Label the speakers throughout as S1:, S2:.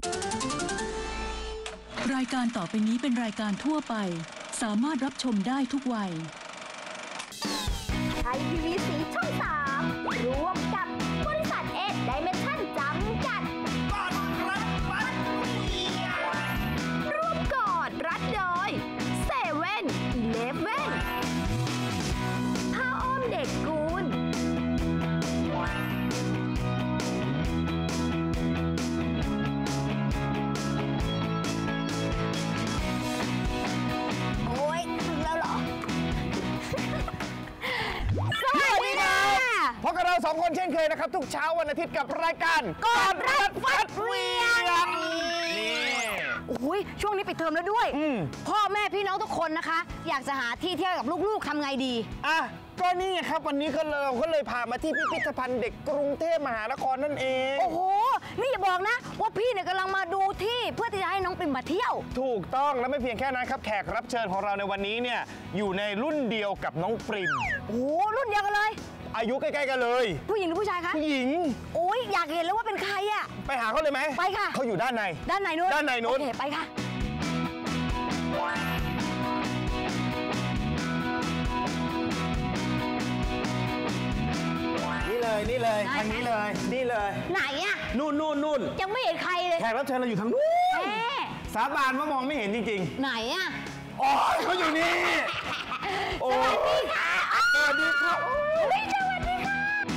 S1: รายการต่อไปนี้เป็นรายการทั่วไปสามารถรับชมได้ทุกวัย
S2: ไทยทีวีสีช่อง3ร่วมกับบริษัทเอ็ดไดเมนชั่นจำกัดร่วมกอดรัดโดยเซเว่นอีเลฟเว่นผ้าอ้อมเด็กกูลโอ้ยถึงแล้วเหรอ สวัสดีค่ะ
S3: พบกับเรา2 คนเช่นเคยนะครับทุกเช้าวันอาทิตย์กับรายการ
S2: กอดรัดฟัดเวียงนี่โอ้ยช่วงนี้ปิดเทอมแล้วด้วยพ่อแม่พี่น้องทุกคนนะคะอยากจะหาที่เที่ยวกับลูกๆทำไงดี
S3: อ่ะก็นี่ไงครับวันนี้ก็เลยพามาที่พิพิธภัณฑ์เด็กกรุงเทพมหานครนั่นเอง
S2: โอ้โหนี่อย่าบอกนะว่าพี่เนี่ยกำลังมาดูที่เพื่อที่จะให้น้องปริมมาเที่ยว
S3: ถูกต้องและไม่เพียงแค่นั้นครับแขกรับเชิญของเราในวันนี้เนี่ยอยู่ในรุ่นเดียวกับน้องปริม
S2: โอ้รุ่นเดียวกันเลย
S3: อายุใกล้ๆกันเลย
S2: ผู้หญิงหรือผู้ชายคะ
S3: ผู้หญิง
S2: โอ้ยอยากเห็นแล้วว่าเป็นใครอะ
S3: ไปหาเขาเลยไหม
S2: ไปค่ะ
S3: เขาอยู่ด้านใน
S2: นู้น
S3: โอ
S2: เคไปค่ะ
S3: นี่เลยทางนี้เลยนี่เลย
S2: ไหนอะ
S3: นู่น
S2: ยังไม่เห็นใครเลย
S3: แขกรับเชิญเราอยู่ทางนู้นสาบานว่ามองไม่เห็นจริง
S2: ๆไหนอะ
S3: อ๋อเขาอยู่นี่
S2: สวัสดีค่ะ
S3: สวัสดีครับ
S2: สวัสดีค่ะ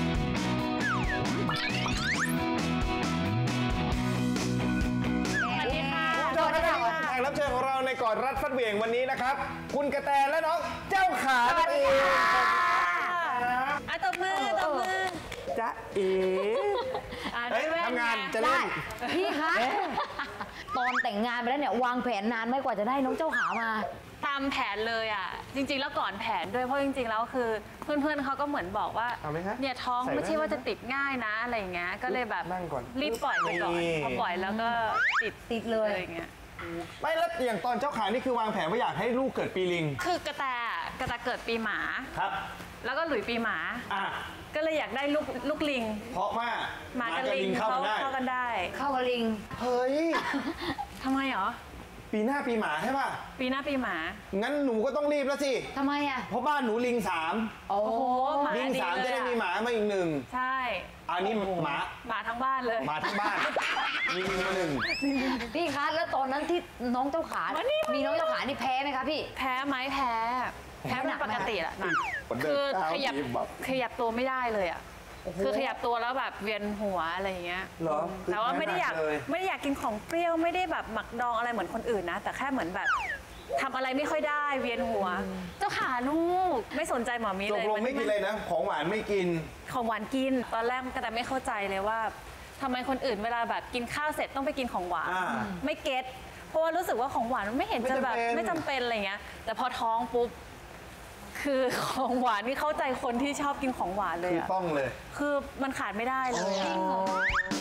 S3: แขกรับเชิญของเราในกอดรัดฟัดเหวี่ยงวันนี้นะครับคุณกระแตและน้องเจ้าขา
S2: สวัสดีค่ะ
S4: ตบมือ
S3: จ๊ะเอ๋ทำงานจะเล่น
S2: พี่คะตอนแต่งงานไปแล้วเนี่ยวางแผนนานไหมกว่าจะได้น้องเจ้าขามา
S4: ตามแผนเลยอ่ะจริงๆแล้วก่อนแผนด้วยเพราะจริงๆแล้วคือเพื่อนๆเขาก็เหมือนบอกว่าเนี่ยท้องไม่ใช่ว่าจะติดง่ายนะอะไรเงี้ยก็เลยแบบรีบปล่อยไปก่อนพอปล่อยแล้วก็
S2: ติดเลย
S4: อย่างเงี้ย
S3: ไม่แล้วอย่างตอนเจ้าขานี่คือวางแผนว่าอยากให้ลูกเกิดปีลิง
S4: คือกระแตเกิดปีหมา
S3: ครับ
S4: แล้วก็หลุยปีหมาก็เลยอยากได้ลูกลิง
S3: เพราะว่า
S4: หมากับลิงเข้ากันได้
S2: เข้ากับลิง
S3: เฮ้ย
S4: ทำไมหรอ
S3: ปีหน้าปีหมาใช่ป่ะ
S4: ปีหน้าปีหมา
S3: งั้นหนูก็ต้องรีบแล้วสิ
S2: ทำไมอ่ะ
S3: เพราะบ้านหนูลิง3
S4: โอ้โห
S3: ลิง3จะได้มีหมามาอีก1
S4: ใช่
S3: อันนี้ห
S4: มาทั้งบ้านเลย
S3: หมาทั้งบ้านมี1
S2: พี่คะแล้วตอนนั้นที่น้องเจ้าขามีน้องเจ้าขานี่แพ้ไหมคะพี่
S4: แพ้ไหมแพ้เป็นปกติแหละนะคือขยับตัวไม่ได้เลยอ่ะคือขยับตัวแล้วแบบเวียนหัวอะไรอย่างเงี้ยแต่ว่าไม่ได้อยากกินของเปรี้ยวไม่ได้แบบหมักดองอะไรเหมือนคนอื่นนะแต่แค่เหมือนแบบทำอะไรไม่ค่อยได้เวียนหัวเจ้าขาลูกไม่สนใจหมอมีเลย
S3: ตกลงไม่กินเลยนะของหวานไม่กิน
S4: ของหวานกินตอนแรกก็แต่ไม่เข้าใจเลยว่าทำไมคนอื่นเวลาแบบกินข้าวเสร็จต้องไปกินของหวานไม่เก็ตเพราะว่ารู้สึกว่าของหวานมันไม่เห็นจะแบบไม่จำเป็นอะไรเงี้ยแต่พอท้องปุ๊บคือของหวานนี่เข้าใจคนที่ชอบกินของหวานเลยอะ
S3: ต้องเลย
S4: คือมันขาดไม่ได้เลยจริงเหรอ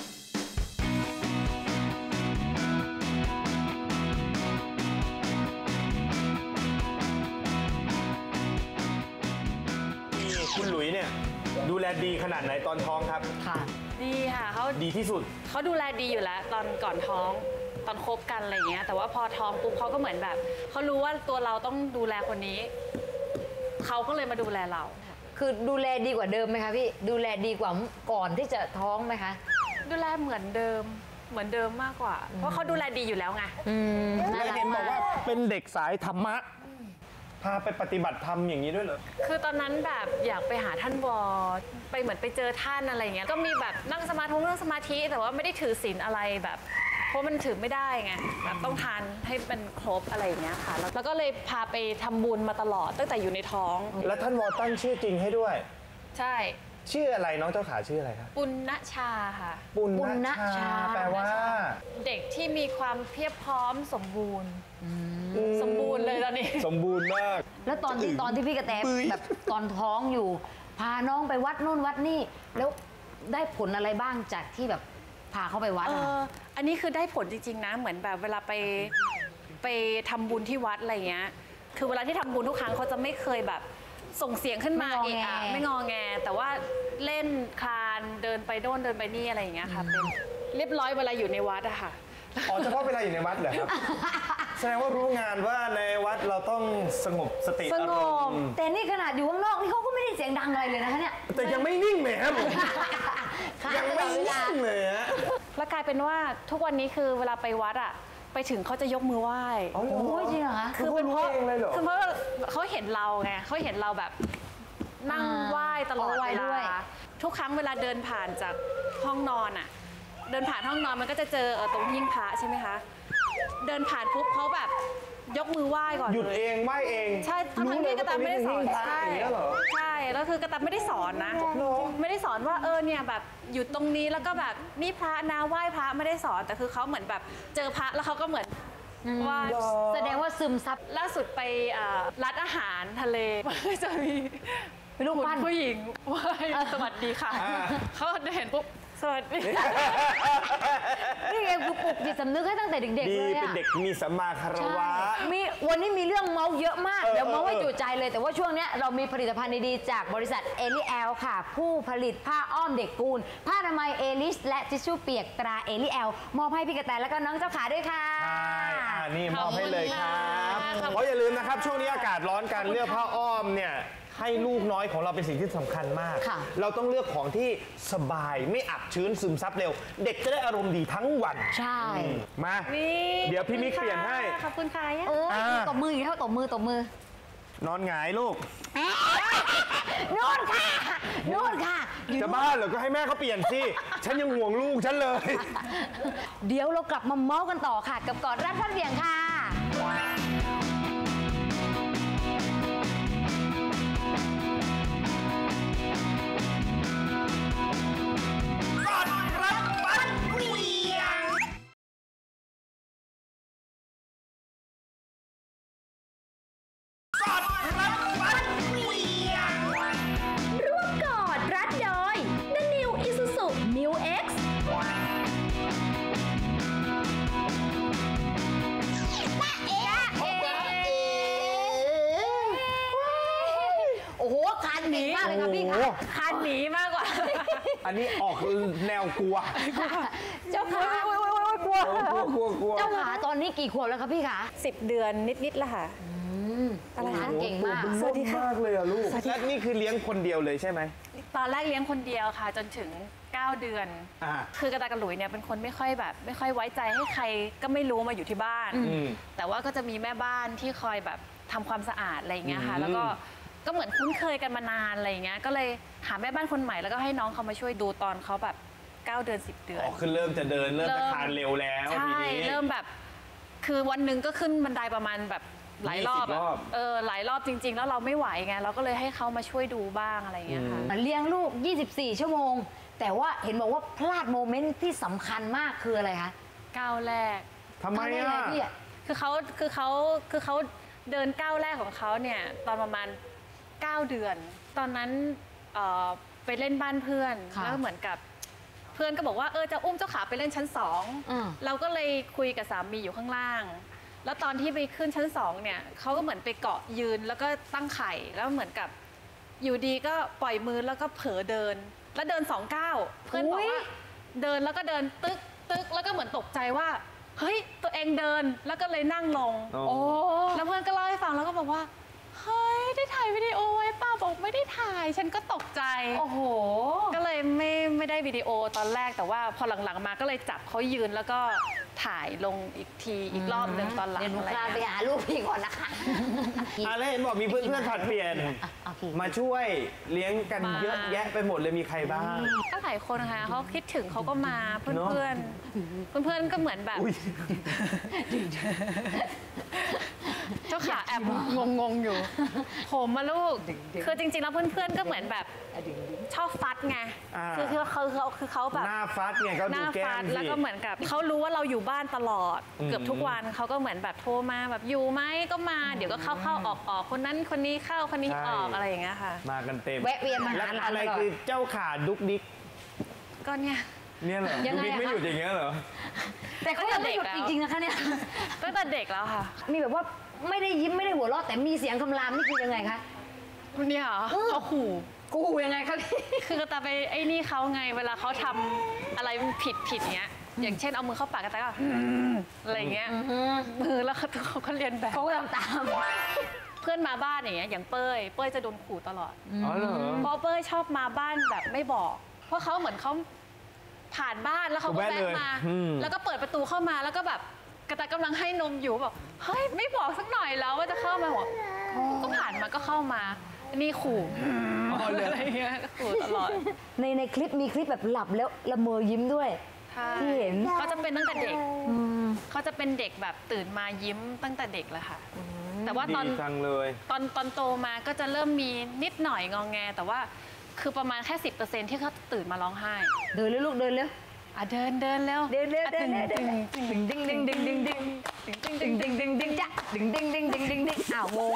S3: คุณหลุยเนี่ยดูแลดีขนาดไหนตอนท้องครับ
S4: ค่ะดีค่ะเขา
S3: ดีที่สุด
S4: เขาดูแลดีอยู่แล้วตอนก่อนท้องตอนคบกันอะไรเงี้ยแต่ว่าพอท้องปุ๊บเขาก็เหมือนแบบเขารู้ว่าตัวเราต้องดูแลคนนี้เขาก็เลยมาดูแลเรา
S2: คือดูแลดีกว่าเดิมไหมคะพี่ดูแลดีกว่าก่อนที่จะท้องไหมคะ
S4: ดูแลเหมือนเดิมมากกว่าเพราะเขาดูแลดีอยู่แล้วไง
S3: เห็นบอกว่าเป็นเด็กสายธรรมะพาไปปฏิบัติธรรมอย่างนี้ด้วยเหรอ
S4: คือตอนนั้นแบบอยากไปหาท่านวอไปเหมือนไปเจอท่านอะไรเงี้ยก็มีแบบนั่งสมาธิแต่ว่าไม่ได้ถือศีลอะไรแบบเพราะมันถือไม่ได้ไงแบบต้องทานให้เป็นครบอะไรอย่างเงี้ยค่ะแล้วก็เลยพาไปทำบุญมาตลอดตั้งแต่อยู่ในท้อง
S3: แล้วท่านวอตั้งชื่อจริงให้ด้วย
S4: ใช่
S3: ชื่ออะไรน้องเจ้าขาชื่ออะไรครับ
S4: ปุณณชาค่ะ
S3: ปุณณชาแปลว่า
S4: เด็กที่มีความเพียบพร้อมสมบูรณ์เลยตอนนี้
S3: สมบูรณ์มาก
S2: แล้วตอนที่พี่กระแตแบบตอนท้องอยู่พาน้องไปวัดนู่นวัดนี่แล้วได้ผลอะไรบ้างจากที่แบบพาเขาไปวัด
S4: อันนี้คือได้ผลจริงๆนะเหมือนแบบเวลาไปทำบุญที่วัดอะไรเงี้ยคือเวลาที่ทำบุญทุกครั้งเขาจะไม่เคยแบบส่งเสียงขึ้นมาเองอะไม่งอแงแต่ว่าเล่นคลานเดินไปโน่นเดินไปนี่อะไรอย่างเงี้ยค่ะเป็นเรียบร้อยเวลาอยู่ในวัดอะค่ะ
S3: อ๋อเฉพาะเวลาอยู่ในวัดเหรอครับ แสดงว่ารู้งานว่าในวัดเราต้องสงบสติ
S2: ส
S3: อาง ร
S2: บ
S3: มณ์
S2: แต่นี่ขนาดอยู่ข้างนอกนี่เขาก็ไม่ได้เสียงดังอะไรเลยนะคะเนี่ย
S3: แต่ยังไม่นิ่งแหมผม ยังไม่
S2: เวลา
S3: นิ่งเลยฮะ
S4: แล้วกลายเป็นว่าทุกวันนี้คือเวลาไปวัดอะไปถึงเขาจะยกมือไหว้
S2: โอ้ยจริงเหรอคะ
S4: คือเป็นเพราะ
S3: เองเลยเหรอ
S4: คือเพราะเขาเห็นเราไงเขาเห็นเราแบบนั่งไหว้ตลอด
S2: ไหว้
S4: เว
S2: ด้วย
S4: ลาทุกครั้งเวลาเดินผ่านจากห้องนอนอะเดินผ่านห้องนอนมันก็จะเจอตรงหิ้งพระใช่ไหมคะเดินผ่านปุ๊บเขาแบบยกมือไหว้ก่อน
S3: หยุด
S4: เลย
S3: เองไหวเอง
S4: ใช่ทั้งที่กระตายไม่ได้สอน
S3: ใช่เหรอ
S4: ใช่แล้วคือกระตายไม่ได้สอนนะ ไม่ได้สอนว่าเนี่ยแบบอยู่ตรงนี้แล้วก็แบบนี่พระนะไหว้พระไม่ได้สอนแต่คือเขาเหมือนแบบเจอพระแล้วเขาก็เหมือนไหว้
S2: แสดงว่าซึมซับ
S4: ล่าสุดไปร้านอาหารทะเลมันก็จะมี
S2: เป็นรูปปั้น
S4: ผู้หญิงไหว้สวัสดีค่ะ
S3: อ่า
S4: เขาเห็นปุ๊บสวัสดี
S2: นี่เองคือปลุกจิตสำนึกให้ตั้งแต่เด็กๆ
S3: ดี
S2: เลย
S3: เป็น
S2: อะ
S3: เด็กมีสัมมาคารวะ
S2: วันนี้มีเรื่องเมาส์เยอะมาก
S3: เออ
S2: เดี๋ยวเมาส์ให้
S3: เออ
S2: จุใจเลย แต่ว่าช่วงเนี้ยเรามีผลิตภัณฑ์ดีๆจากบริษัทเอลิแอลค่ะ ผู้ผลิตผ้าอ้อมเด็กกูล ผ้าอนามัยเอลิสและทิชชู่เปียกตราเอลิแอลมอบให้พี่กระแตแล้วก็น้องเจ้าขาด้วยค่ะ
S3: ใช่นี่มอบให้เลยครับ
S4: ขอบคุณค่ะ
S3: เพราะอย่าลืมนะครับ ช่วงนี้อากาศร้อนการเลือกผ้าอ้อมเนี่ยให้ลูกน้อยของเราเป็นสิ่งที่สำคัญมาก
S2: ค่ะ
S3: เราต้องเลือกของที่สบายไม่อับชื้นซึมซับเร็ว เด็กจะได้อารมณ์ดีทั้งวัน
S2: ใช่
S3: มา
S4: นี่
S3: เดี๋ยวพี่มิกเปลี่ยนให้
S4: ขอบคุณค่ะ
S2: โอ้ย
S3: อ่า
S2: ตบมืออีกแล้วตบมือ
S3: นอนหงายลูก
S2: นู่นค่ะนู่นค่ะอยู่
S3: จะ
S2: นู่น
S3: บ้าเหรอก็ให้แม่เขาเปลี่ยนสิ ฉันยังห่วงลูกฉันเลย
S2: เดี๋ยวเรากลับมาเมาส์กันต่อค่ะ กับกอดรัดฟัดเหวี่ยงค่ะ
S5: ร่วมกอดรัดโดย The New Isuzu Mu X
S2: โอ้โหคานหนีมากเลยค่ะพี่
S3: โอ้
S2: ค่ะ
S3: โห
S4: คันหนีมากกว่า
S3: อันนี้ออกแนวกลัว
S2: เจ้าขา
S3: กลัวกลัว
S2: เจ้าขาตอนนี้กี่ขวบแล้วคะพี่คะ
S4: 10 เดือนนิดๆแล้วค่ะ
S2: อะไรคะเก่งมาก
S3: สวัสดีมากเลยอะลูกและนี่คือเลี้ยงคนเดียวเลยใช่ไหม
S4: ตอนแรกเลี้ยงคนเดียวค่ะ จนถึง 9 เดือน
S3: อ่า
S4: คือกระตายกับหลุยเนี่ยเป็นคนไม่ค่อยแบบ ไม่ค่อยไว้ใจให้ใครก็ไม่รู้มาอยู่ที่บ้าน
S3: อืม
S4: แต่ว่าก็จะมีแม่บ้านที่คอยแบบทำความสะอาดอะไรอย่างเงี้ยค่ะ
S3: อืม
S4: แล้วก็เหมือนคุ้นเคยกันมานานอะไรอย่างเงี้ย ก็เลยหาแม่บ้านคนใหม่แล้วก็ให้น้องเขามาช่วยดูตอนเขาแบบ 9 เดือน 10 เดือน
S3: อ๋อคือเริ่มจะเดินเริ่มจะ
S4: เริ่ม
S3: คลานเร็วแล้วที
S4: ใช่
S3: นี้
S4: เริ่มแบบ คือวันหนึ่งก็ขึ้นบันไดประมาณแบบหลายรอบ
S3: 20 รอบ
S4: หลายรอบจริง ๆ แล้วเราไม่ไหวไง เราก็เลยให้เขามาช่วยดูบ้างอะไรอย่างเงี้ยค่ะ
S2: เลี้ยงลูก 24 ชั่วโมง แต่ว่าเห็นบอกว่าพลาดโมเมนต์ที่สำคัญมากคืออะไรคะ
S4: ก้าวแรก
S3: ทำไม
S2: ก้าวแรก
S3: อ่ะ
S2: เลยพี่อะ
S4: คือเขาเดินก้าวแรกของเขาเนี่ยตอนประมาณ 9 เดือน ตอนนั้นไปเล่นบ้านเพื่อน
S2: ค่ะ
S4: แล้วเหมือนกับเพื่อนก็บอกว่าจะอุ้มเจ้าขาไปเล่นชั้น
S2: อืม
S4: 2เราก็เลยคุยกับสามีอยู่ข้างล่าง แล้วตอนที่ไปขึ้นชั้น 2เนี่ยเขาก็เหมือนไปเกาะยืนแล้วก็ตั้งไข่แล้วเหมือนกับอยู่ดีก็ปล่อยมือแล้วก็เผลอเดิน แล้วเดิน2 ก้าวเพื่อนบอกว่าเดินแล้วก็เดินตึกแล้วก็เหมือนตกใจว่าเฮ้ยตัวเองเดินแล้วก็เลยนั่งลง
S3: อ๋อ
S2: โอ้
S4: แล้วเพื่อนก็เล่าให้ฟังแล้วก็บอกว่า เฮ้ย ได้ถ่ายวิดีโอไว้ป้าบอกไม่ได้ถ่าย ฉันก็ตกใจ
S2: โอ้โห
S4: ก็เลยไม่ได้วิดีโอตอนแรกแต่ว่าพอหลังๆมาก็เลยจับเขายืนแล้วก็ถ่ายลงอีกทีอีกรอบหนึ่งตอนหลัง
S2: เดี๋ยวหนู
S4: อะไร
S2: คลานไป
S4: เงี้ย
S2: หาลูกพี่ก่อนนะคะ
S3: อ่ะแล้วเห็นบอกมีเพื่อนๆผลัดเปลี่ยน
S2: โอเค
S3: มาช่วยเลี้ยงกันเยอะแยะไปหมดเลยมีใครบ้าง
S4: ก็หลายคนค่ะเขาคิดถึงเขาก็มาเพื่อนๆก็เหมือนแบบ
S3: อุ้ย
S4: เจ้าขาแอบงงอยู่ ผมมาลูก คือจริงๆแล้วเพื่อนๆก็เหมือนแบบชอบฟัดไง
S3: อ่า
S4: คือเขาแบบ
S3: หน้าฟัดเนี่ยก็
S4: ห
S3: ดู
S4: น้า
S3: แก้
S4: ฟั
S3: ม
S4: ด
S3: สิ
S4: แล้วก็เหมือนกับเขารู้ว่าเราอยู่บ้านตลอด
S3: อืม
S4: เกือบทุกวันเขาก็เหมือนแบบโทรมาแบบอยู่ไหมก็มาเดี๋ยวก็เข้าออกคนนั้นคนนี้เข้าคนนี้ออกอะไรอย่างเงี้ยค่ะ
S3: มากันเต็ม
S2: แวะเวียนมา
S3: แล้ว
S2: หาหลาน
S3: อะไร
S2: ตลอด
S3: คือเจ้าขาดุกดิก
S4: ก็เนี่ย
S3: เนี่ยเหรอ
S2: ยัง
S3: ดุก
S2: ไง
S3: ดิก
S2: อะ
S3: ไม่
S2: คะ
S3: หยุดอย่างเงี้ยเหรอ
S2: แต่เขายังไม่หยุดจริงๆนะคะเนี่ย
S4: ตั้งแต่เด็กแล้วค่ะ
S2: มีแบบว่าไม่ได้ยิ้มไม่ได้หัวเราะแต่มีเสียงคำรามนี่คือยังไงคะ
S4: เนี่ยเหรอเขาขู่
S2: กูยังไงคะพี่
S4: คือตาไปไอ้นี่เขาไงเวลาเขาทำอะไรผิดเงี้ยอย่างเช่นเอามือเข้าปากกระแตก็อะไรเงี้ยมือแล้วเขาก็เรียนแบบ
S2: เขาก็ทำตาม
S4: เพื่อนมาบ้านอย่างเงี้ยอย่างเป้ยจะโดนขู่ตลอด
S3: อ๋อเหรอ
S4: เพราะเป้ยชอบมาบ้านแบบไม่บอก เพราะเขาเหมือนเขาผ่านบ้านแล้วเขาก็แวะมา แล้วก็เปิดประตูเข้ามาแล้วก็แบบกระต่ายกำลังให้นมอยู่แบบเฮ้ยไม่บอกสักหน่อยแล้วว่าจะเข้ามาบอกก็ผ่านมาก็เข้ามานี่ขู่อะไรเงี้ยขู่ตลอด
S2: ในคลิปมีคลิปแบบหลับแล้วละเมอยิ้มด้วย ที่เห็น
S4: เขาจะเป็นตั้งแต่เด็กเขาจะเป็นเด็กแบบตื่นมายิ้มตั้งแต่เด็กเลยค่ะแต่ว่าตอน
S3: ดีจังเลย
S4: ตอนโตมาก็จะเริ่มมีนิดหน่อยงองแงแต่ว่าคือประมาณแค่ 10%ที่เขาตื่นมาร้องไห้
S2: เดินเร็วลูกเดินเร็ว
S4: เดินแล้ว
S2: เดินเร็วเดินเร็วเดินดึงดึงดึงดึงดึงดึงดึงดึงดึงดึงดึงจ้ะดึงดึงดึงดึงดึงดึงอ้าวงง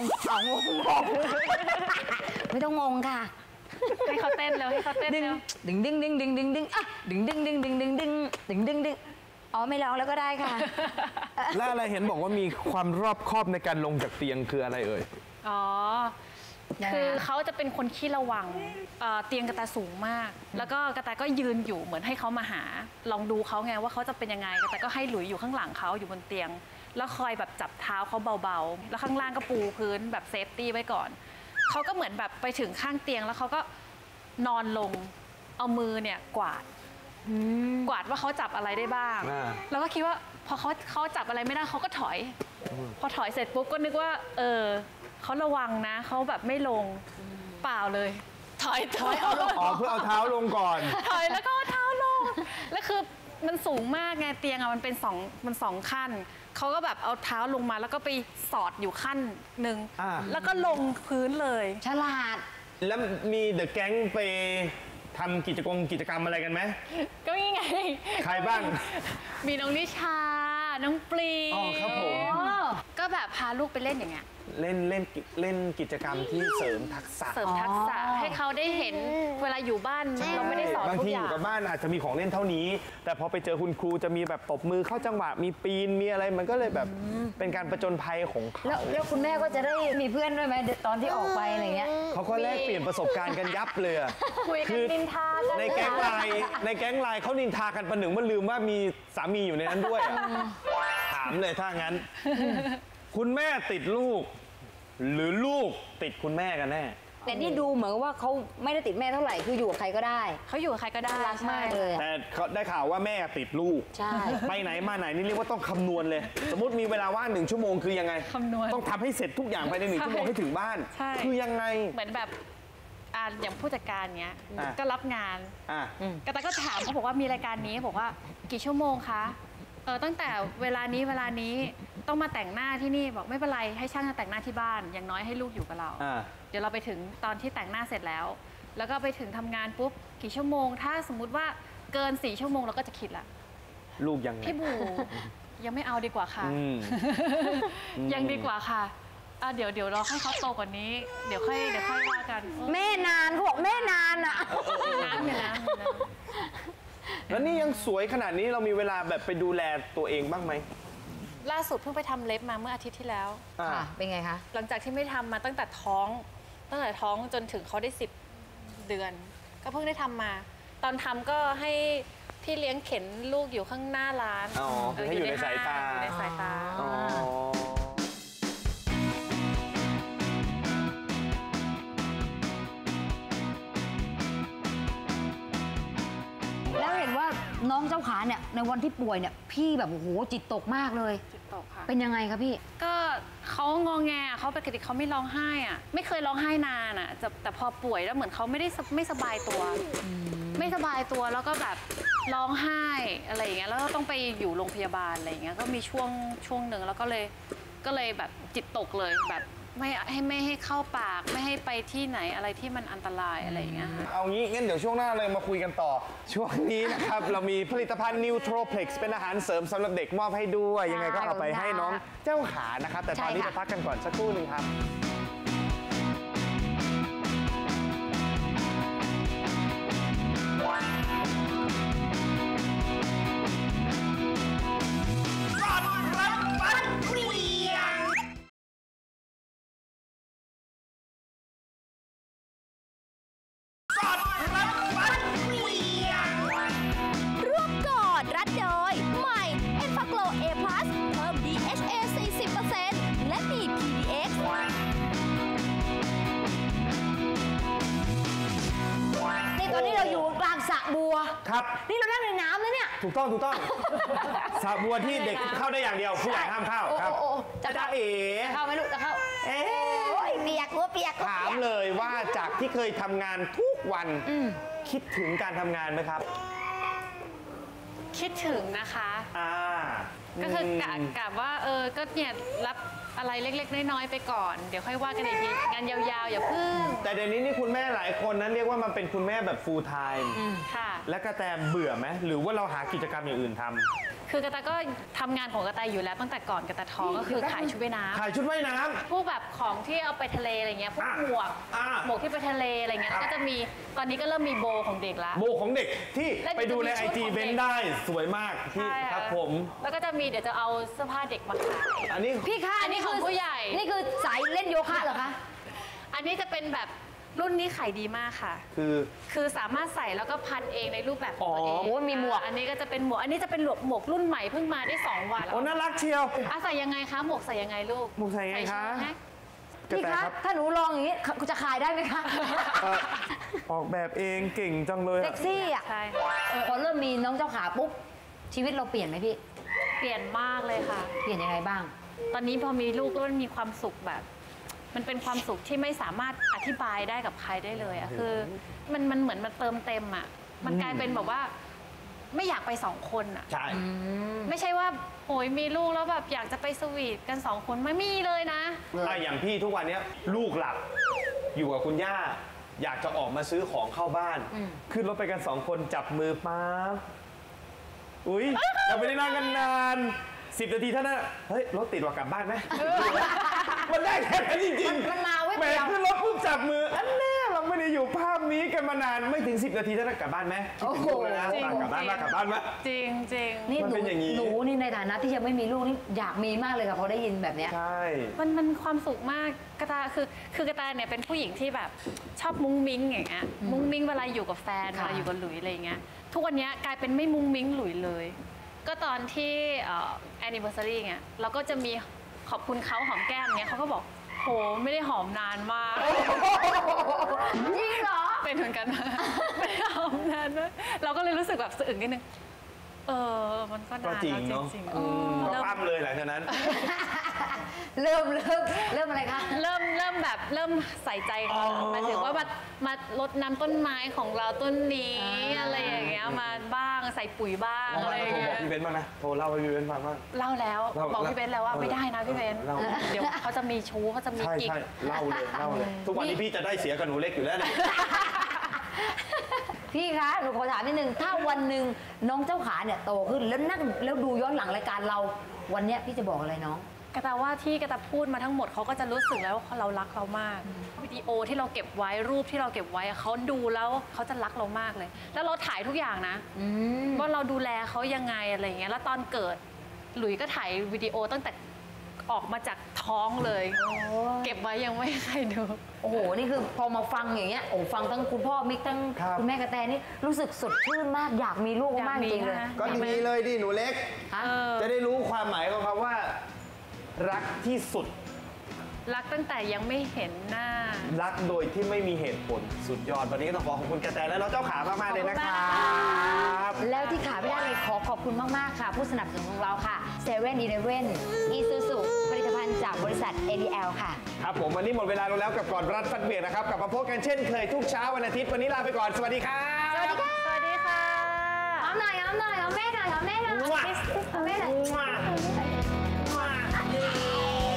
S2: ไม่ต้องงงค่ะ
S4: ให้เขาเต้นแล้วให้เขาเต้น
S2: ดึง
S4: แล้ว
S2: ดึงดึงดึงดึงดึงดึงอ่ะดึงดึงดึงดึงดึงดึงดึงดึงดึงอ๋อไม่ร้องแล้วก็ได้ค่ะ
S3: และอะไรเห็นบอกว่ามีความรอบคอบในการลงจากเตียงคืออะไรเอ่ย
S4: อ๋อ คือเขาจะเป็นคนขี้ระวังเตียงกระต่ายสูงมาก แล้วก็กระต่ายก็ยืนอยู่เหมือนให้เขามาหา ลองดูเขาไงว่าเขาจะเป็นยังไงกระต่ายก็ให้หลุยอยู่ข้างหลังเขาอยู่บนเตียง แล้วคอยแบบจับเท้าเขาเบาๆ แล้วข้างล่างก็ปูพื้นแบบเซฟตี้ไว้ก่อน เขาก็เหมือนแบบไปถึงข้างเตียงแล้วเขาก็นอนลง เอามือเนี่ยกวาดว่าเขาจับอะไรได้บ้าง แล้วก็คิดว่าพอเขาจับอะไรไม่ได้เขาก็ถอย พอถอยเสร็จปุ๊บก็นึกว่าเขาระวังนะเขาแบบไม่ลงเปล่าเลย ถอยเอาลง
S3: อ๋อเพื่อเอาเท้าลงก่อน
S4: ถอยแล้วก็เอาเท้าลงแล้วคือมันสูงมากไงเตียงอะมันเป็นสองขั้นเขาก็แบบเอาเท้าลงมาแล้วก็ไปสอดอยู่ขั้นหนึ่งแล้วก็ลงพื้นเลย
S2: ฉลาด
S3: แล้วมีเดอะแก๊งไปทำกิจกรรมอะไรกันไหม
S4: ก็นี่ไง
S3: ใครบ้าง
S4: มีน้องนิชา น้องปรี
S3: อ๋อครับผม
S4: ก็แบบพาลูกไปเล่นอย่างเงี้ย
S3: เล่นกิจกรรมที่เสริมทักษะ
S4: เสริมทักษะให้เขาได้เห็นเวลาอยู่บ้านเราไม่ได้สอน
S3: บาง
S4: ทุก
S3: ที
S4: อ
S3: อยู่
S4: ย่าง
S3: กับบ้านอาจจะมีของเล่นเท่านี้ แต่พอไปเจอคุณครูจะมีแบบตบมือเข้าจังหวะมีปีนมีอะไรมันก็เลยแบบเป็นการประจนภัยของเขา
S2: แล้วคุณแม่ก็จะได้มีเพื่อนด้วยไหมตอนที่ออกไปอะไรเงี้ย
S3: เขาก็แลกเปลี่ยนประสบการณ์กันยับเลยอะ
S4: คุยกันนินทากัน
S3: ในแก๊งไลน์เขานินทากันประหนึ่งว่าลืมว่ามีสามีอยู่ในนั้นด้วยอะถามเลยถ้างั้น คุณแม่ติดลูก หรือลูกติดคุณแม่กันแน่
S2: แต่นี่ดูเหมือนว่าเขาไม่ได้ติดแม่เท่าไหร่คืออยู่กับใครก็ได้
S4: เขาอยู่กับใครก็ได้
S2: รักมากเลยอะ
S3: แต่เขาได้ข่าวว่าแม่ติดลูก
S2: ใช่
S3: ไปไหนมาไหนนี่เรียกว่าต้องคำนวณเลย สมมติมีเวลาว่าง1 ชั่วโมงคือยังไง
S4: คำนวณ
S3: ต้องทำให้เสร็จทุกอย่างภายใน1 ชั่วโมงให้ถึงบ้าน
S4: ใช่
S3: คือยังไง
S4: เหมือนแบบอย่างผู้จัดการเนี้ย
S3: อ่ะ
S4: ก็รับงาน
S3: อ่ะ
S4: กระต่ายก็ถามเขาบอกว่ามีรายการนี้บอกว่ากี่ชั่วโมงคะตั้งแต่เวลานี้ต้องมาแต่งหน้าที่นี่บอกไม่เป็นไรให้ช่างแต่งหน้าที่บ้านอย่างน้อยให้ลูกอยู่กับเรา เดี๋ยวเราไปถึงตอนที่แต่งหน้าเสร็จแล้ว แล้วก็ไปถึงทำงานปุ๊บกี่ชั่วโมง ถ้าสมมุติว่าเกิน4 ชั่วโมงเราก็จะคิดละ
S3: ลูกยังไง
S4: พี่บูยังไม่เอาดีกว่าค่ะ
S3: อืม
S4: ยังดีกว่าค่ะเดี๋ยวเราให้เขาโตกว่านี้เดี๋ยวค่อยว่ากัน
S2: แม่นานเขาบอกแม่นานอ่ะ
S4: น้ำเนี่ยนะ
S3: แล้วนี่ยังสวยขนาดนี้เรามีเวลาแบบไปดูแลตัวเองบ้างไหม
S4: ล่าสุดเพิ่งไปทำเล็บมาเมื่ออาทิตย์ที่แล้ว
S2: ค่ะ เป็นไงคะ
S4: หลังจากที่ไม่ทำมาตั้งแต่ท้องจนถึงเขาได้10 เดือน ก็เพิ่งได้ทำมา ตอนทำก็ให้พี่เลี้ยงเข็นลูกอยู่ข้างหน้าร้าน
S3: อ๋อให้อยู่ในสายตา
S4: อยู่ในสายตา
S3: อ๋อ
S2: แล้วเห็นว่าน้องเจ้าขาเนี่ยในวันที่ป่วยเนี่ยพี่แบบโอ้โหจิตตกมากเลย
S4: จิตตกค่ะ
S2: เป็นยังไงคะพี่
S4: ก็เขางอแงเขาปกติเขาไม่ร้องไห้อะไม่เคยร้องไห้นานอะแต่พอป่วยแล้วเหมือนเขาไม่สบายตัว ไม่สบายตัวแล้วก็แบบร้องไห้อะไรอย่างเงี้ยแล้วก็ต้องไปอยู่โรงพยาบาลอะไรอย่างเงี้ยก็มีช่วงหนึ่งแล้วก็เลยแบบจิตตกเลยแบบไม่ให้เข้าปากไม่ให้ไปที่ไหนอะไรที่มันอันตรายอะไรอย่างเงี้ยค่ะ
S3: เอางี้งั้นเดี๋ยวช่วงหน้าเลยมาคุยกันต่อ ช่วงนี้นะครับ เรามีผลิตภัณฑ์ Nutroflex เป็นอาหารเสริมสำหรับเด็กมอบให้ด้วย ยังไงก็เอาไปให้น้องเจ้าขานะครับ แต่ตอนนี้
S2: ใช่ค่ะ
S3: จะพักกันก่อนสักครู่หนึ่งครับ
S5: ร่วมกอดรัดโดย
S2: ตอนนี้เราอยู่กลางสระบัว
S3: ครับ
S2: นี่เรานั่งในน้ำแล้วเนี่ย
S3: ถูกต้องสระบัวที่เด็กเข้าได้อย่างเดียวผู้ใหญ่ห้ามเข้าครับ
S2: โอ้จะ
S3: จ้าเอ๋
S2: เข้าไหมลูกจะเข้า
S3: เอ๊ะ
S2: โอ้ยเปียกหัวเปียก
S3: ถามเลยว่าจากที่เคยทำงานทุกวันคิดถึงการทำงานไหมครับ
S4: คิดถึงนะคะ ก็คือกะว่าก็เนี่ยรับอะไรเล็กๆน้อยๆไปก่อน เดี๋ยวค่อยว่ากันอีกทีงานยาวๆอย่าพึ่ง
S3: แต่เดี๋ยวนี้นี่คุณแม่หลายคนนั้นเรียกว่ามันเป็นคุณแม่แบบ full time
S4: ค่ะ
S3: และกระแตเบื่อไหมหรือว่าเราหากิจกรรมอย่างอื่นทำ
S4: คือกระแตก็ทำงานของกระแตอยู่แล้วตั้งแต่ก่อนกระแตท้องก็คือขายชุดว่ายน้ำ
S3: ถ่ายชุดว่ายน้ำ
S4: พวกแบบของที่เอาไปทะเลอะไรเงี้ยพวกหมวก หมวกที่ไปทะเลอะไรเงี้ยแล้วก็จะมีตอนนี้ก็เริ่มมีโบของเด็กละ
S3: โบของเด็กที่
S4: และเดี๋
S3: ไป
S4: ยว
S3: ดูใน
S4: จะมี
S3: IG
S4: ชุดของ
S3: เบน
S4: เด็ก
S3: ได้สวยมากที่
S4: ใช่
S3: ครับผม
S4: แล้วก็จะมีเดี๋ยวจะเอาเสื้อผ้าเด็กมาขาย
S3: อันนี้
S2: พี่คะ
S4: อันนี้ของผู้ใหญ่
S2: นี่คือสายเล่นโยคะเหรอคะ
S4: อันนี้จะเป็นแบบรุ่นนี้ขายดีมากค่ะ คือสามารถใส่แล้วก็พันเองในรูปแบบของตัวเอง
S2: โอ้ยมีหมวก
S4: อันนี้ก็จะเป็นหมวก อันนี้จะเป็นหมวกรุ่นใหม่เพิ่งมาได้2 วัน
S3: โอ้น่ารักเชียว
S4: ใส่ยังไงคะหมวกใส่ยังไงลูก
S3: หมวกใส่ยังไงคะ
S4: ใช่ไหม
S2: พี่คะถ้าหนูลองอย่างนี้จะขายได้ไหมคะ
S3: ออกแบบเองเก่งจังเลย
S2: เซ็กซี่อ่ะ
S4: ใช่
S2: พอเริ่มมีน้องเจ้าขาปุ๊บชีวิตเราเปลี่ยนไหมพี่
S4: เปลี่ยนมากเลยค่ะ
S2: เปลี่ยนยังไงบ้าง
S4: ตอนนี้พอมีลูกแล้วมันมีความสุขแบบ มันเป็นความสุขที่ไม่สามารถอธิบายได้กับใครได้เลยอะคือมันเหมือนมันเติมเต็มอะมันกลายเป็นแบบว่าไม่อยากไป2 คนอะ
S3: ใช่
S4: ไม่ใช่ว่าโอยมีลูกแล้วแบบอยากจะไปสวีทกัน2 คนไม่มีเลยนะ
S3: อย่างพี่ทุกวันเนี้ยลูกหลับอยู่กับคุณย่า อยากจะออกมาซื้อของเข้าบ้าน ขึ้นรถไปกัน2 คนจับมือปั๊บอุ๊ย เราไม่ได้นั่งกันนาน10 นาทีเท่านั้นเฮ้ย รถติดว่ากลับบ้านไหมมันได้แค่นั้นจริงๆ
S2: มันมาเว้ย
S3: แหมขึ้นรถปุ๊บจับมืออันแน่เราไม่ได้อยู่ภาพนี้กันมานานไม่ถึง10 นาทีเท่านั้นกลับบ้านไหมคิดถึงลูกเลยนะ
S4: จริง
S3: กลับบ้านมากลับบ้านมา
S4: จริงจริง
S2: นี่
S3: มันเป็นอย่างนี้
S2: หนูนี่ในฐานะที่ยังไม่มีลูกนี่อยากมีมากเลยค่ะพอได้ยินแบบเนี้ย
S3: ใช่
S4: มันความสุขมากกระตาคือกระตาเนี่ยเป็นผู้หญิงที่แบบชอบมุ้งมิ้งอย่างเงี้ยมุ้งมิ้งเวลาอยู่กับแฟนเว
S2: ค่ะ
S4: ลาอยู่กับหลุยอะไรอย่างเงี้ยทุกวันเนี้ยกลายเป็นไม่มุ้งมิ้งหลุยเลย ก็ตอนที่anniversary เงี้ยเราก็จะมีขอบคุณเขาหอมแก้มเงี้ยเขาก็บอกโหไม่ได้หอมนานมาก
S2: จริงเหรอ
S4: เป็นเหมือนกันนะไม่ได้หอมนานมากเราก็เลยรู้สึกแบบสะอึกนิดนึงมันก็
S3: ก็
S4: นาน
S3: จริง
S4: แล้ว
S3: เนาะ
S4: จริง
S3: ก็
S4: ๆเริ่ม
S3: ปั้มเลยหลังจากนั้น
S2: เริ่มอะไรคะ
S4: เริ่มใส่ใจกันหมายถึงว่ามาลดน้ำต้นไม้ของเราต้นนี้อะไรอย่างเงี้ยมาบ้างใส่ปุ๋ยบ้างอะไรอย่าง
S3: โทร
S4: เงี้
S3: บอก
S4: ย
S3: พี่เบนซ์บ้างนะโทรเล่าให้พี่เบนซ์ฟังบ้าง
S4: เล่าแล้ว
S3: เล่า
S4: บอกพี่เบนซ์แล้วว่าไม่ได้นะพี่เบนซ์
S3: เล่า
S4: เดี๋ยวเขาจะมีชู้เขาจะมี
S3: ใช่
S4: กิ๊ก
S3: ใช่เล่าเลย ทุกวันนี้พี่จะได้เสียกับหนูเล็กอยู่แล้วเนี่ย
S2: พี่คะหนูขอถามนิดนึงถ้าวันหนึ่งน้องเจ้าขาเนี่ยโตขึ้นแล้วนั่งแล้วดูย้อนหลังรายการเราวันเนี้ยพี่จะบอกอะไรน้อง
S4: กระตาว่าที่กระตาพูดมาทั้งหมดเขาก็จะรู้สึกแล้วว่าเรารักเรามากวิดีโอที่เราเก็บไว้รูปที่เราเก็บไว้เขาดูแล้วเขาจะรักเรามากเลย แล้วเราถ่ายทุกอย่างนะว่าเราดูแลเขายังไงอะไรอย่างเงี้ยแล้วตอนเกิดหลุยก็ถ่ายวิดีโอตั้งแต่ออกมาจากท้องเลย เก็บไว้ยังไม่ให้ใครดู
S2: โอ้โห นี่คือพอมาฟังอย่างเงี้ย โอ้ฟังทั้งคุณพ่อมิกทั้ง
S3: ครับ
S2: คุณแม่กระแตนี่รู้สึกสดชื่นมาก อยากมีลูกมากจริงเลย
S4: อยากมีนะ
S3: ก็ดีเลยดิหนูเล็ก
S2: ฮะ
S3: จะได้รู้ความหมายของคำว่า รักที่สุด
S4: รักตั้งแต่ยังไม่เห็นหน้า
S3: รักโดยที่ไม่มีเหตุผลสุดยอดวันนี้ก็ต้องขอขอบคุณกระแตและน้องเจ้าขามากๆเลยนะครับ
S2: แล้วที่ขาไม่ได้เลยขอขอบคุณมาก ๆ ค่ะ ผู้สนับสนุนของเราค่ะ7 e เ e ่ e อีซูซูผลิตภัณฑ์จากบริษัท ADL ค่ะ
S3: ครับผมวันนี้หมดเวลาลงแล้วกับก่อนรัดฟัดเบียดนะครับกลับมาพบกันเช่นเคยทุกเช้าวันอาทิตย์วันนี้ลาไปก่อนสวัสดีครับ
S2: สวัสดีค่ะ
S4: สวัสดีค่ะ
S2: หอมหน่อยหอมหน่อยหอมแม่หน่อยหอมแม่หน่อย
S3: มั่ว
S2: หอมแม่หน่อย
S3: มั่ว